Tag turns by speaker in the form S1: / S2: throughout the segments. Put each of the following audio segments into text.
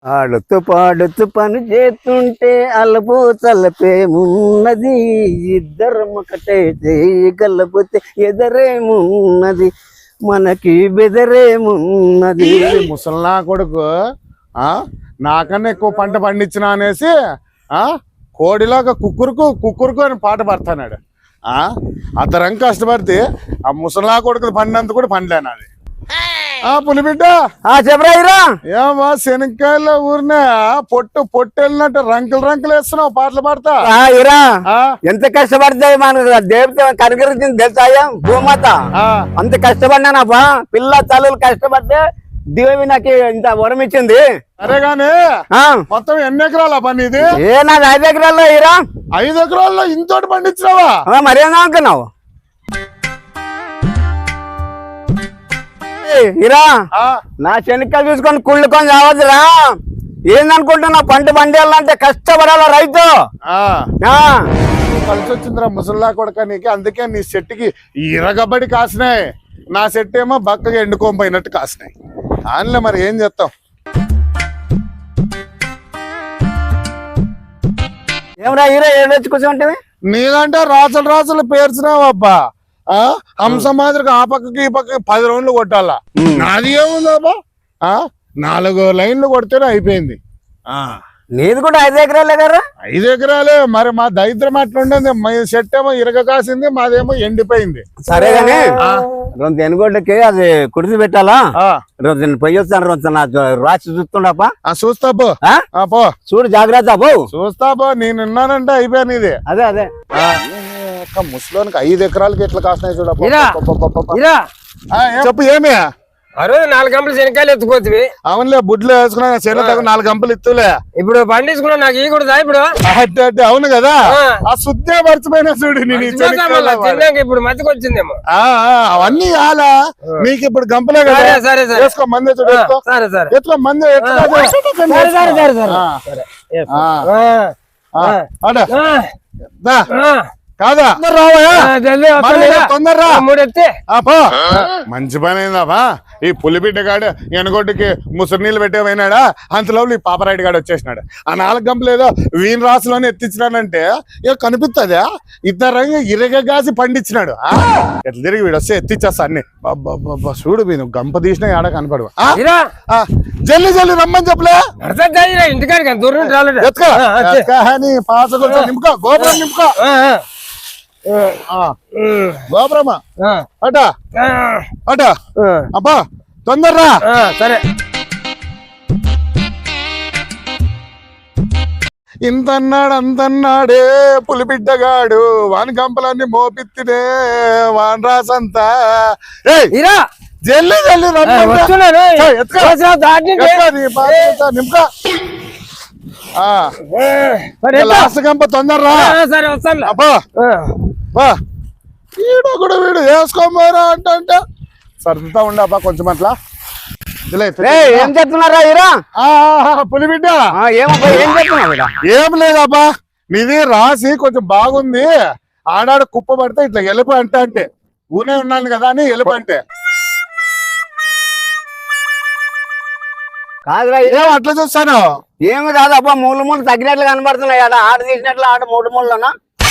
S1: ఆడుతూ పాడుతూ పని చేస్తుంటే అలపు తలపేమున్నది, ఇద్దరం ఒకటే చేయగలపోతే ఎదరేమున్నది, మనకి బెదరేమున్నది.
S2: ముసల్నా కొడుకు నాకన్నా ఎక్కువ పంట పండించిన అనేసి కోడిలాగా కుక్కురుకు అని పాట పడతాడు. అతరం కష్టపడితే ఆ ముసల్నా కొడుకు పండినంత కూడా పండలేను అది. పులిబిడ్డ
S1: చెప్పరా
S2: ఏమా శనక్కాయల ఊరినే పొట్టు వెళ్ళినట్టు రంకులు వేస్తున్నావు పాటలు పాడతా.
S1: ఎంత కష్టపడితే మన దేవత కనుగరించింది తెలుసాయా భూమాత. అంత కష్టపడినానబ్బా, పిల్ల తల్లులు కష్టపడితే దేవి నాకు ఇంత వరం ఇచ్చింది.
S2: సరే గాని మొత్తం ఎన్ని ఎకరాల పని ఇది?
S1: నాది 5 ఎకరాల్లో ఇరా.
S2: 5 ఎకరాల్లో ఇంతోటి పండించినావా?
S1: మరేనా అనుకున్నావు ఇరా? నా శనక్కాయలు చూసుకొని కుళ్ళుకొని రావద్దురా. ఏందనుకుంటున్నావు? పంట పండియాలంటే కష్టపడాల రైతు.
S2: కలిసి వచ్చిందిరా ముసల్లా కొడక నీకు. అందుకే నీ చెట్టుకి ఇరగబడి కాసినాయి, నా చెట్టు ఏమో బక్కగా ఎండుకోపోయినట్టు కాసినాయి. దానిలో మరి ఏం చేస్తాం?
S1: ఏమరా హీరో ఏడొచ్చి కూర్చోంటే
S2: నీదంటే రాసులు పేర్చినావు అబ్బా. హంస మాదిరిగా ఆ పక్కకి ఈ పక్కకి 10 రౌండ్లు కొట్టాలా. నాది ఏముందబ్బా, 4 లైన్లు కొడితేనే అయిపోయింది.
S1: నీది కూడా 5 ఎకరాలే కదా?
S2: 5 ఎకరాలే. మరి మా దరిద్రం అట్లుండేది. మా చెట్టు ఏమో ఇరగ కాసింది, మాదేమో ఎండిపోయింది.
S1: సరే గానీ రెండు ఎనుగోడ్లకి అది కుడిసి పెట్టాలా? రోజు నేను పోయి వస్తాను, రోజు నా రాసి చూస్తుండప్ప.
S2: చూస్తా పో
S1: చూడు జాగ్రత్త పో.
S2: చూస్తా పో, నేనున్నానంటే అయిపోయాను ఇది.
S1: అదే
S2: ముసలోనికి 5 ఎకరాలకి ఎట్లా కాసినాయి చూడప్ప. చెప్పు ఏమి?
S3: ఆ రోజు 4 గంపలు శనక్కాయలు ఎత్తుకోవచ్చు.
S2: అవునులే, బుడ్లు వేసుకున్నా శనగ 4 గంపలు ఇత్తులే.
S3: ఇప్పుడు పండించుకున్నా నాకు ఈ కూడా ఇప్పుడు.
S2: అవును కదా, ఆ శుద్ధే మర్చిపోయినా చూడు.
S3: ఇప్పుడు మధ్యకి వచ్చిందేమో.
S2: అవన్నీ ఆలా నీకు ఇప్పుడు గంపలే కదా.
S3: సరే
S2: వేసుకో మంది చూడు.
S3: సరే సరే
S2: ఎట్లా మంది కాదా? తొందరరా. మంచి పని అయిందాబా. ఈ పులిబిడ్డ గాడు ఎనగొడ్డుకి ముసురు నీళ్ళు పెట్టే పోయినాడా, అంతలో ఈ పాపరాయుడు గాడు వచ్చేసినాడు. ఆ 4 గంపలు ఏదో వీన్ రాసులోనే ఎత్తించినాడంటే ఇక కనిపిస్తుందా? ఇద్దరు ఇరగగాసి పండించినాడు. ఎట్లా తిరిగి వీడు వస్తే ఎత్తిచ్చేస్తా అన్ని. చూడు మీరు గంప తీసినా ఏడ కనపడు. జల్లి రమ్మని చెప్పలే.
S3: ఇంటికాడికి దూరం
S2: పాస నింపుకో, గోపురం నింపుకో. గోపురమా అట అబ్బా తొందరరా.
S3: సరే
S2: ఇంతన్నాడు అంతన్నాడే పులిబిడ్డగాడు, వాని గంపలన్నీ మోపిత్తినే వాన్ రాసంతా. జల్లి నింపుకో. లాస్ట్ గంప తొందరరా.
S3: సరే వస్తాను.
S2: అబ్బా వీడు వేసుకోమారా అంటే సర్దుతా ఉండబ్బా కొంచెం అట్లా.
S1: ఏం చెప్తున్నారా హీరో?
S2: పులిబిడ్డ
S1: ఏం
S2: లేదబ్బా, నీది రాసి కొంచెం బాగుంది. ఆడాడు కుప్ప పడితే ఇట్లా ఎలుపు అంటే ఊనే ఉన్నాను కదా అని ఎలుపు అంటే.
S1: కాదురా
S2: అట్లా చూస్తాను.
S1: ఏమి కాదబ్బా, మూలు తగ్గినట్లు కనబడుతున్నాయి. ఆడ తీసినట్లు ఆడ 3 మూలలోనా?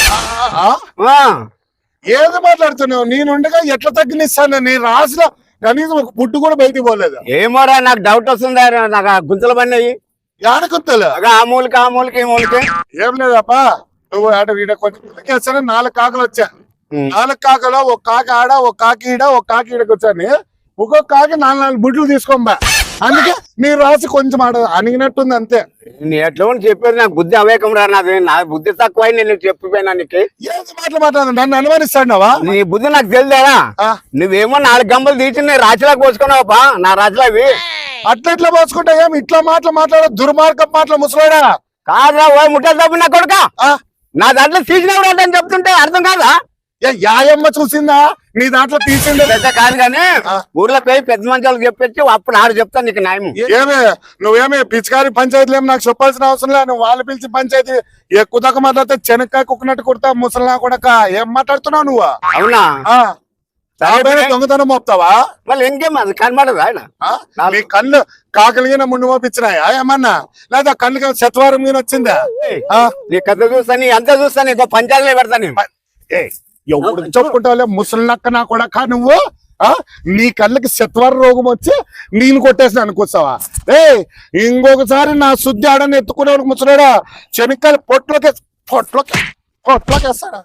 S2: ఏది మాట్లాడుతున్నావు? నేనుండగా ఎట్లా తగ్గినిస్తాను? నీ రాసిన కనీసం ఒక పుట్టు కూడా బయటికి పోలేదు.
S1: ఏమోరా, నాకు డౌట్ వస్తుంది. నాకు గుంతలు పడినాయి.
S2: యాడ గుంతలు?
S1: ఆ మూలకి ఈ మూలకి.
S2: ఏం లేదప్పా, నువ్వు ఆడ వీడ కొంచెం 4 కాకలు వచ్చా. 4 కాకలో ఒక కాకి ఆడ, ఒక కాకి ఈడ, ఒక కాకి ఈడకి వచ్చాను. ఒక్కొక్క కాకి 4 బుడ్లు తీసుకోబా. అందుకే నీ రాసి కొంచెం ఆడ అణిగినట్టుంది అంతే.
S1: నేను ఎట్లా చెప్పేది, నాకు బుద్ధి అవేకం రా. నా బుద్ధి తక్కువ నేను చెప్పిపోయినా నీకు.
S2: ఏది మాట్లాడు, నన్ను అనుమానిస్తాడువా?
S1: నీ బుద్ధి నాకు తెలియదేనా? నువ్వేమో 4 గంపలు తీసి నీ రాశిలోకి పోసుకున్నావా? నా రాశిలో అవి
S2: అట్లా పోసుకుంటా. ఏం ఇట్లా మాట్లాడ దుర్మార్గం మాటలు ముసలాడా?
S1: కాదురా ఓ ముట్టలు తప్పి నా కొడుక. నా దాంట్లో తీసినప్పుడు అంటే చెప్తుంటే అర్థం కాదా?
S2: యాయమ్మ చూసిందా నీ దాంట్లో తీసిండే?
S1: పెద్ద కాదు కానీ ఊర్లో పోయి పెద్ద మంచాలకు చెప్పొచ్చి అప్పుడు ఆడు చెప్తాను నీకు న్యాయం.
S2: ఏమే నువ్వేమే పిచికారి పంచాయతీలు ఏమి నాకు చెప్పాల్సిన అవసరం లేదు. నువ్వు వాళ్ళు పిలిచి పంచాయతీ ఎక్కువ దాకా మాట్లాడితే చెనక్కాయ కుక్కినట్టు కుడతా ముసలినా కొడక. ఏం మాట్లాడుతున్నావు నువ్వు?
S1: అవునా?
S2: నా పైన దొంగతనం మోపుతావా?
S1: మళ్ళీ ఇంకేం అది కనబడదు ఆయన
S2: నీ కళ్ళు కాకలిగిన ముందు మోపించినాయా ఏమన్నా? లేదా కళ్ళు శతవారం మీద వచ్చిందా?
S1: నీ కథ చూస్తాను అంతా చూస్తాను ఇంకో పంచాయతీలో పెడతాను
S2: ఎవడు చెప్పుకుంటావులే ముసలినక్క నా కూడా నువ్వు నీ కళ్ళకి శతవార రోగం వచ్చి నేను కొట్టేసిన అనుకొస్తావా? ఇంకొకసారి నా శుద్ధి ఆడని ఎత్తుకునే ముసలాడా చెనిక్కాయలు పొట్లోకేస్తాడా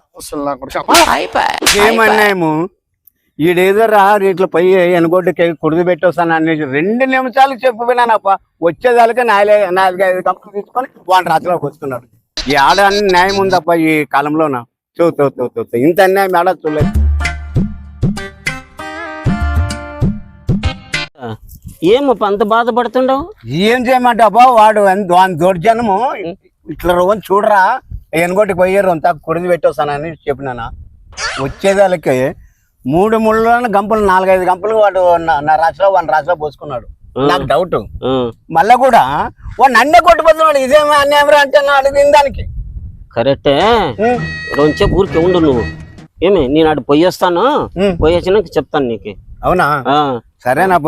S1: ఏమన్నాము ఈడేదో రా ఇట్లా పోయి ఎనగొడ్డుకి కుడిది పెట్టొస్తాను అనేసి 2 నిమిషాలు చెప్పిపోయినానప్ప వచ్చేదానికి 4-5 కంపెనీలు తీసుకొని వాడి రాత్రిలోకి వస్తున్నాడు. ఈ ఆడ అన్ని న్యాయం ఉందప్ప ఈ కాలంలోన చూ ఇంత అన్యాయం ఆడ చూడలేదు.
S4: ఏమప్ప అంత బాధపడుతుండవు?
S1: ఏం చేయమంటే అబ్బా వాడు వాని దౌర్జన్యము ఇట్లా రోజు చూడరా ఎనగొట్టుకు పోయారు అంతా కుడిది పెట్టొస్తానని చెప్పినానా. వచ్చేదానికి 3 ముళ్ళ గంపలు 4-5 గంపలు వాడు నా రాశిలో వాని రాశిలో పోసుకున్నాడు. నాకు డౌట్ మళ్ళా కూడా వాడు నన్నే కొట్టుపోతున్నాడు. ఇదేమో అన్యాయం అంటే అడిగిన దానికి
S4: కరెక్టే. రెండుసేపు ఊరికి ఉండు నువ్వు. ఏమి నేను అటు పోయేస్తాను, పోయేసినాక చెప్తాను నీకు.
S1: అవునా? సరేనబ్బా.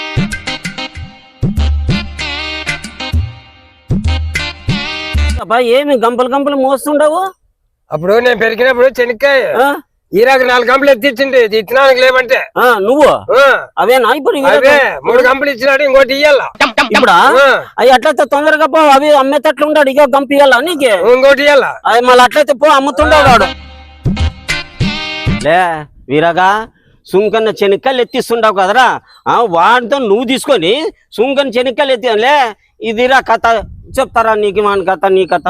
S4: అబ్బా ఏమి గంపలు మోస్తుండవు?
S3: అప్పుడు నేను పెరిగినప్పుడు చెనిక్కాయ ఈరాకు 4 గంపలు ఎత్తిచ్చింది ఇచ్చినానికి లేవంటే
S4: నువ్వు అవేనా ఇప్పుడు?
S3: అవే 3 గంపలు ఇచ్చినాడు, ఇంకోటి ఇయ్యాల.
S4: ఇప్పుడు అవి అట్లయితే తొందరగా పో, అవి అమ్మేటట్లు ఉంటాడు. ఇక గంప ఇయ్యాలా నీకు?
S3: ఇంకోటి ఇయ్యాల.
S4: అవి మళ్ళీ అట్లయితే పో, అమ్ముతుండవు వాడు. లే వీరగా సుంకన్న చెనిక్కాయలు ఎత్తిస్తుండవు కదరా, వాడితో నువ్వు తీసుకొని సుంకన్న చెనిక్కాయలు ఎత్తిలే. ఇదిరా కథ చెప్తారా నీకు? మన కథ నీ కథ.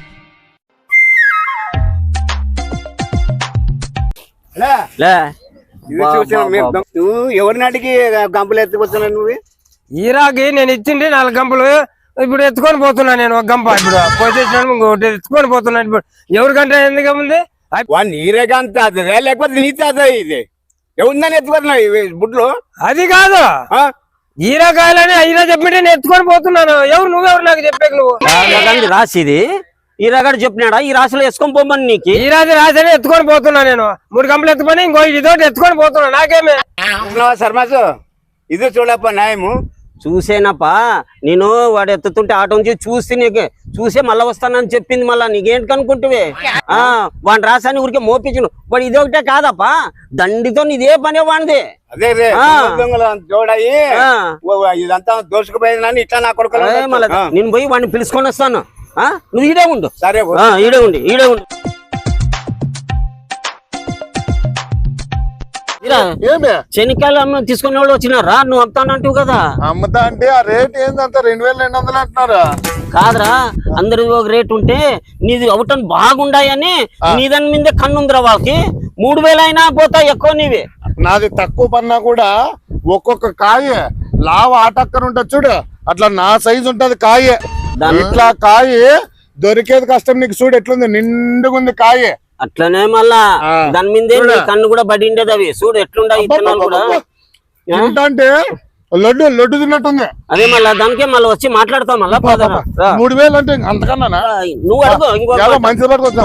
S4: లే
S1: నువ్వు ఎవరిని అడిగి గంపలు ఎత్తిపోతున్నావు? నువ్వు
S3: ఈరాకి నేను ఇచ్చింది 4 గంపలు, ఇప్పుడు ఎత్తుకొని పోతున్నా నేను. ఒక గంప ఇప్పుడు పోసేసినాను, ఇంకోటి ఎత్తుకొని పోతున్నాను. ఇప్పుడు ఎవరికంటే ఎందుకు ఉంది
S1: వాడిని నీరేగా అంత అదే లేకపోతే నీతే అదే ఇది ఎవరిని ఎత్తుకున్నావు ఇవి బుడ్లు?
S3: అది కాదు, ఈరాకాయలని అయినా చెప్పితే నేను ఎత్తుకొని పోతున్నాను. ఎవరు నువ్వెవరు నాకు చెప్పాక? నువ్వు
S4: రాసిది ఈ రగడు చెప్పినాడా? ఈ రాశిలో వేసుకొని పోమని నీకు.
S3: ఈ రాశి ఎత్తుకొని పోతున్నా నేను. 3 గంపలు ఎత్తుకొని ఇంకో ఇదోటి ఎత్తుకొని పోతున్నా. నాకేమే
S1: శర్మాసు ఇది చూడప్ప న్యాయము.
S4: చూసేనప్పా నేను వాడు ఎత్తుతుంటే ఆటో నుంచి చూసి నీకు చూసే మళ్ళా వస్తానని చెప్పింది. మళ్ళా నీకేంటి కనుకుంటువే? వాడిని రాసాని ఊరికే మోపించును. వాడు ఇది ఒకటే కాదప్పా, దండితో ఇదే పనే వాడిది.
S1: అదే చూడాయి ఇదంతా దోసుకుపోయిందని ఇట్లా నా కొడుకు.
S4: మళ్ళీ నేను పోయి వాడిని పిలుచుకొని వస్తాను. నువ్వు ఈడే ఉండు.
S1: సరే
S4: ఈడే ఉండు. చెనిక్కాయలు అమ్మ తీసుకునే వాళ్ళు వచ్చినారా? నువ్వు అమ్ముతానంటావు కదా.
S2: అమ్ముతా అంటే ఆ రేట్ ఏందంత 2200 అంటున్నారా?
S4: కాదురా, అందరి ఒక రేట్ ఉంటే నీది అవుటని బాగుండాయని నీ దాని మీదే కన్నుందిరా. వాళ్ళకి 3000 అయినా పోతా ఎక్కువ నీవి.
S2: నాది తక్కువ పన్నా కూడా ఒక్కొక్క కాయ లావ ఆటక్కర ఉంటుంది చూడు, అట్లా నా సైజు ఉంటది కాయ. ఇట్లా కాయ దొరికేది కష్టం. నీకు చూడు ఎట్లుంది, నిండుగుంది కాయ.
S4: అట్లనే మళ్ళా దాని మీదే కన్ను కూడా పడిండేది. అవి చూడు ఎట్లుండవు ఇత్తనాలు కూడా.
S2: అంటే లడ్డు తిన్నట్టుంది.
S4: అదే మళ్ళా దానికే మళ్ళీ వచ్చి మాట్లాడతాం. మళ్ళా
S2: 3000 అంటే అంతకన్నా
S4: నువ్వు అడుగు. ఇంకో
S2: మంచి పడుతుంది.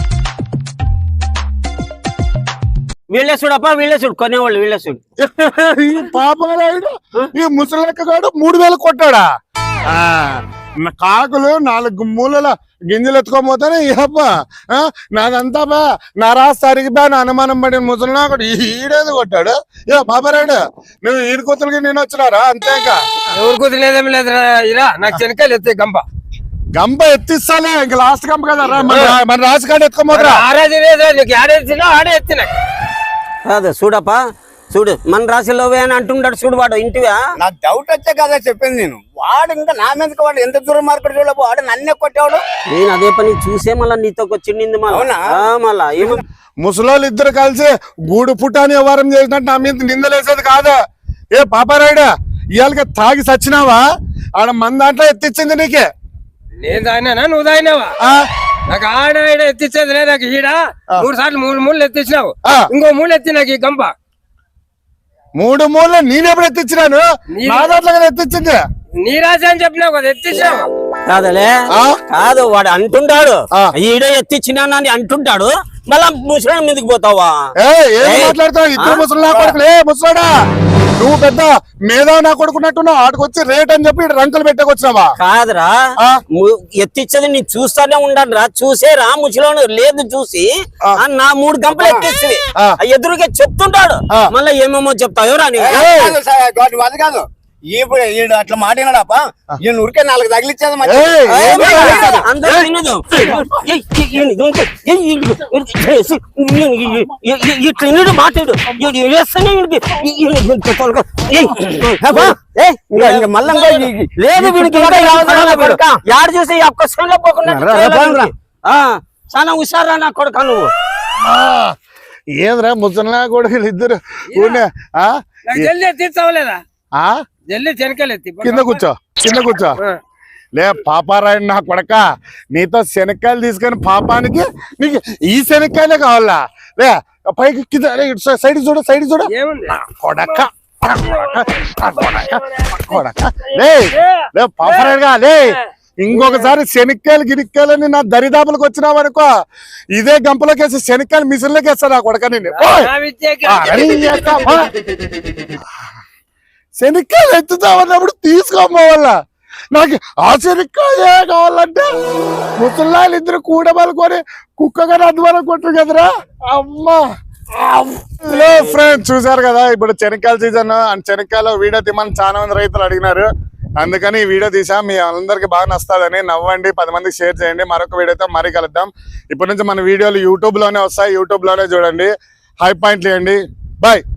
S4: వీళ్ళే చూడప్ప, వీళ్ళే చూడు కొనేవాళ్ళు, వీళ్ళే చూడు.
S2: ఈ పాపగాడు ఈ ముసలెక్క గాడు 3000 కొట్టాడా? కాకులు 4 మూలల గింజలు ఎత్తుకోపోతానే ఇహప్ప నాదంతా బా నా రాసి అరిగిపోయా నా అనుమానం పడిన ముసలినాకుడు ఈడేది కొట్టాడు. ఏ పాపరాడు నువ్వు ఈడు కూతురికి నేను వచ్చినారా? అంతేక
S3: ఎవరు కుదిలేదేమి లేదు. ఇలా నాకు చెనిక్కాయలు ఎత్తే
S2: గంప ఎత్తిస్తాలే. ఇంక లాస్ట్ గంప కదా మన రాసి కాడ ఎత్తుకోపోతారా?
S3: ఆరాజు లేదు నీకు, ఆడేసినా ఆడే ఎత్తినా
S4: కాదు. చూడప్పా చూడు, మన రాశిలోవే అని అంటుంటాడు చూడు వాడు. ఇంటివా
S1: నాకు డౌట్ వచ్చే కదా చెప్పింది నేను. వాడు ఇంకా నా మీదకి వాడు ఎంత దూరం మార్కెట్ చూడబో వాడు నన్నే కొట్టాడు.
S4: నేను అదే పని చూసే మళ్ళీ నీతో వచ్చింది. మళ్ళా
S2: ముసలోళ్ళు ఇద్దరు కలిసి గూడు పుట్టాని వ్యవహారం చేసినట్టు నా మీద నిందలేసేది కాదు. ఏ పాపారాయుడు ఇవాళకి తాగి సచ్చినావా? ఆడ మన దాంట్లో ఎత్తిచ్చింది నీకే.
S3: నేను తాగినా నువ్వు తాగినావా? నాకు ఆడ ఎత్తిచ్చేది లేదు. నాకు ఈడ 3 సార్లు 3 మూళ్ళు ఎత్తిచ్చినావు, ఇంకో మూడు ఎత్తి నాకు ఈ గంప.
S2: 3 మూళ్ళు నేనెప్పుడు ఎత్తిచ్చినాను? నా దాంట్లో కదా ఎత్తిచ్చింది.
S3: నీ రాశి అని చెప్పినావు కదా, ఎత్తిచ్చావు.
S4: కాదలే కాదు వాడు అంటుంటాడు ఈడే ఎత్తిచ్చినానని అంటుంటాడు. మళ్ళా ముసలి మీదకి పోతావా?
S2: ఏం మాట్లాడతావు? ఇద్దరు ముసలి నా కొడుకులే ముసలాడా, నువ్వు పెద్ద మేధావి నా కొడుకున్నట్టున్నావు. ఆడికొచ్చి రేట్ అని చెప్పి రంకులు పెట్టకొచ్చినావా?
S4: కాదురా, ఎత్తిచ్చేది నేను చూస్తానే ఉండాలి రా. చూసేరా ముసలోను లేదు చూసి నా 3 గంపలు ఎత్తిస్తుంది ఎదురుగా చెప్తుంటాడు. మళ్ళీ ఏమేమో చెప్తావు రా
S1: అది కాదు, ఇప్పుడు ఈడు అట్లా మాట్లాడాపా, ఈయన ఉరికే 4 తగిలిచ్చేది
S4: అందరూ తినదు. ఇట్లా మాట్లాడు లేదు వీడికి యాడ చూసి ఒక్క పోకుండా చాలా హుషారా నా కొడుక నువ్వు.
S2: ఏదిరా ముసలినా కొడుకులు ఇద్దరు
S3: జల్దీ తీర్చవలేదా? జల్దీ శనకాయలు ఎత్తి
S2: కింద కూర్చో, కింద కూర్చో. లే పాపారాయుడు నా కొడక, నీతో శనక్కాయలు తీసుకొని పాపానికి నీకు ఈ శనక్కాయలే కావాలా? లే పైకి కింద సైడ్ చూడు, సైడ్ చూడు కొడక కొడక. లే పాపారాయుడుగా లే, ఇంకొకసారి శనక్కాయలు గిరిక్కాయలని నా దరిదాపులకు వచ్చినావనుకో, ఇదే గంపలోకి శనక్కాయలు మిషన్లోకి వేస్తా నా కొడక. నేను శనక్కాయలు ఎత్తుతామన్నప్పుడు తీసుకోమోవాల, నాకు ఆ శనక్కాయే కావాలంటే ముసలాళ్ళు ఇద్దరు కూడబలుకొని కుక్కగా అధ్వానం కొట్టరు కదరా అమ్మా. హలో ఫ్రెండ్స్, చూసారు కదా ఇప్పుడు శనక్కాయల సీజన్. అండ్ శనక్కాయలు వీడియో తీమని చాలా మంది రైతులు అడిగినారు, అందుకని ఈ వీడియో తీసా. మీ అందరికి బాగా నస్తుందని. నవ్వండి, 10 మందికి షేర్ చేయండి. మరొక వీడియోతో మరీ కలుద్దాం. ఇప్పటి నుంచి మన వీడియోలు యూట్యూబ్ లోనే వస్తాయి, యూట్యూబ్ లోనే చూడండి. హై పాయింట్లు ఇవ్వండి. బాయ్.